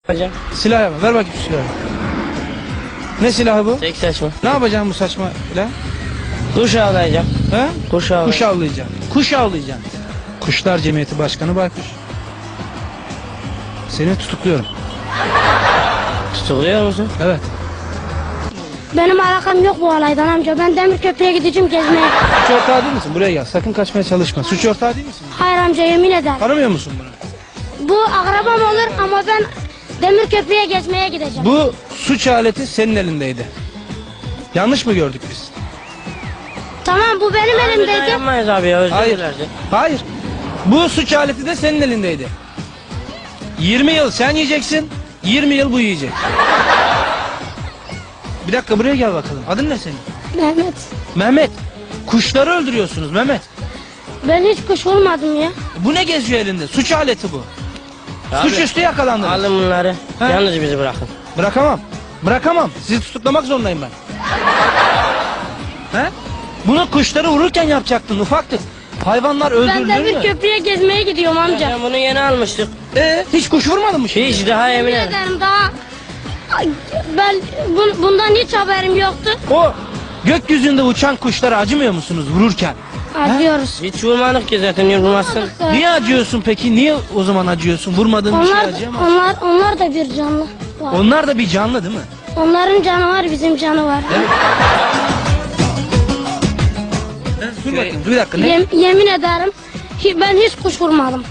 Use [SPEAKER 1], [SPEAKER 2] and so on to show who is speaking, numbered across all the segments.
[SPEAKER 1] Hocam.
[SPEAKER 2] Silah yapma. Ver bakayım şu silahı. Ne silahı bu?
[SPEAKER 1] Tek saçma.
[SPEAKER 2] Ne yapacaksın bu saçma silah?
[SPEAKER 1] Kuş avlayacağım.
[SPEAKER 2] He?
[SPEAKER 1] Kuş avlayacağım.
[SPEAKER 2] Kuş avlayacaksın. Kuş avlayacaksın. Kuşlar Cemiyeti Başkanı Baykuş. Seni tutukluyorum.
[SPEAKER 1] Tutukluyor musun?
[SPEAKER 2] Evet.
[SPEAKER 3] Benim alakam yok bu olaydan amca. Ben Demirköprü'ye gideceğim gezmeye.
[SPEAKER 2] Suç ortağı değil misin? Buraya gel. Sakın kaçmaya çalışma. Suç ortağı değil misin?
[SPEAKER 3] Hayır amca, yemin ederim.
[SPEAKER 2] Tanımıyor musun bunu?
[SPEAKER 3] Bu akrabam olur ama ben Demirköprü'ye gezmeye gideceğim.
[SPEAKER 2] Bu suç aleti senin elindeydi. Yanlış mı gördük biz?
[SPEAKER 3] Tamam, bu benim
[SPEAKER 1] Biz
[SPEAKER 3] elimdeydi.
[SPEAKER 1] yapmayız abi ya, özür
[SPEAKER 2] Hayır.
[SPEAKER 1] dilerdi.
[SPEAKER 2] Hayır. Bu suç aleti de senin elindeydi. 20 yıl sen yiyeceksin, 20 yıl bu yiyecek. Bir dakika, buraya gel bakalım. Adın ne senin?
[SPEAKER 3] Mehmet.
[SPEAKER 2] Mehmet. Kuşları öldürüyorsunuz Mehmet.
[SPEAKER 3] Ben hiç kuş olmadım ya.
[SPEAKER 2] Bu ne geziyor elinde? Suç aleti bu.
[SPEAKER 1] Abi,
[SPEAKER 2] Suçüstü yakalandınız.
[SPEAKER 1] alın bunları.
[SPEAKER 2] He?
[SPEAKER 1] Yalnız bizi bırakın.
[SPEAKER 2] Bırakamam. Bırakamam. Sizi tutuklamak zorundayım ben. He? Bunu kuşları vururken yapacaktın, ufaktık. Hayvanlar
[SPEAKER 3] Ben
[SPEAKER 2] öldürülür mü?
[SPEAKER 3] Demirköprü'ye gezmeye gidiyorum amca.
[SPEAKER 1] Hocam bunu yeni almıştık.
[SPEAKER 2] Hiç kuş vurmadın mı şimdi?
[SPEAKER 1] Hiç daha
[SPEAKER 3] Yemin
[SPEAKER 1] yemin ederim.
[SPEAKER 3] ederim daha... Ben bundan hiç haberim yoktu.
[SPEAKER 2] O gökyüzünde uçan kuşlara acımıyor musunuz vururken?
[SPEAKER 3] Acıyoruz.
[SPEAKER 1] Hiç vurmadık ki zaten, vurmazsın.
[SPEAKER 2] Niye acıyorsun peki? Niye o zaman acıyorsun? Vurmadığın bir şey
[SPEAKER 3] Onlar,
[SPEAKER 2] acıyamaz.
[SPEAKER 3] onlar da bir canlı var.
[SPEAKER 2] Onlar da bir canlı değil mi?
[SPEAKER 3] Onların canı var, bizim canı var.
[SPEAKER 2] Dur bakayım, bir dakika. Ne?
[SPEAKER 3] Yemin ederim ben hiç kuş vurmadım.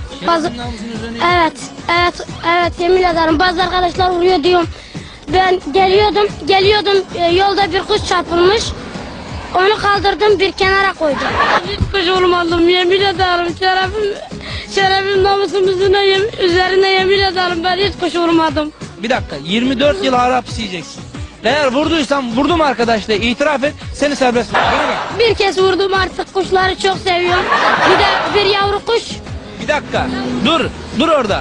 [SPEAKER 3] Evet, yemin ederim bazı arkadaşlar vuruyor diyorum. Ben geliyordum yolda bir kuş çarpılmış. Onu kaldırdım, bir kenara koydum. Hiç kuş vurmadım, yemin ederim. Şerefim namusum üzerine yemin ederim, ben hiç kuş vurmadım.
[SPEAKER 2] Bir dakika, 24 yıl ağır hapis yiyeceksin. Eğer vurduysam vurdum arkadaş de itiraf et, seni serbest bırak. Bana bak.
[SPEAKER 3] Bir kez vurdum, artık kuşları çok seviyorum. Bir de bir yavru kuş.
[SPEAKER 2] Bir dakika, dur orada.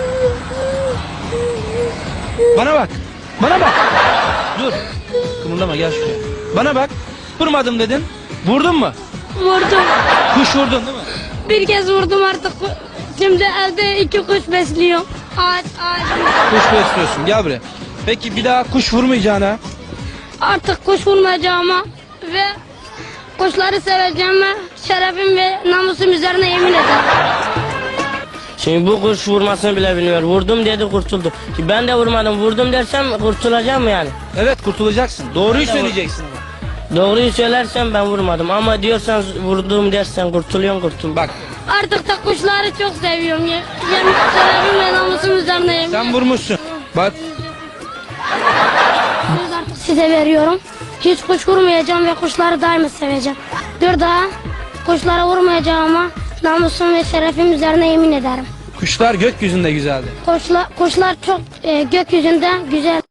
[SPEAKER 2] Bana bak, dur. Kımıldama, gel şuraya. Bana bak, vurmadım dedin, vurdun mu?
[SPEAKER 3] Vurdum.
[SPEAKER 2] Kuş vurdun değil mi?
[SPEAKER 3] Bir kez vurdum artık. Şimdi evde 2 kuş besliyorum. Ağaç.
[SPEAKER 2] Kuş besliyorsun, gel buraya. Peki bir daha kuş vurmayacağına?
[SPEAKER 3] Artık kuş vurmayacağıma ve kuşları seveceğime şerefim ve namusum üzerine yemin ederim.
[SPEAKER 1] Şimdi bu kuş vurmasını bile bilmiyor. Vurdum dedi, kurtuldu. Şimdi ben de vurmadım, vurdum dersem kurtulacağım mı yani?
[SPEAKER 2] Evet, kurtulacaksın. Doğruyu söyleyeceksin ama.
[SPEAKER 1] Doğruyu söylersem ben vurmadım ama diyorsan vurdum dersen kurtuluyorsun.
[SPEAKER 2] Bak,
[SPEAKER 3] Artık da kuşları çok seviyorum. Yemin şerefim ve namusum üzerine yemin
[SPEAKER 2] sen vurmuşsun. Bak,
[SPEAKER 3] Söz artık size veriyorum. Hiç kuş vurmayacağım ve kuşları daima seveceğim. Bir daha kuşlara vurmayacağıma namusum ve şerefim üzerine yemin ederim.
[SPEAKER 2] kuşlar gökyüzünde güzeldi.
[SPEAKER 3] Kuşlar çok gökyüzünde güzel.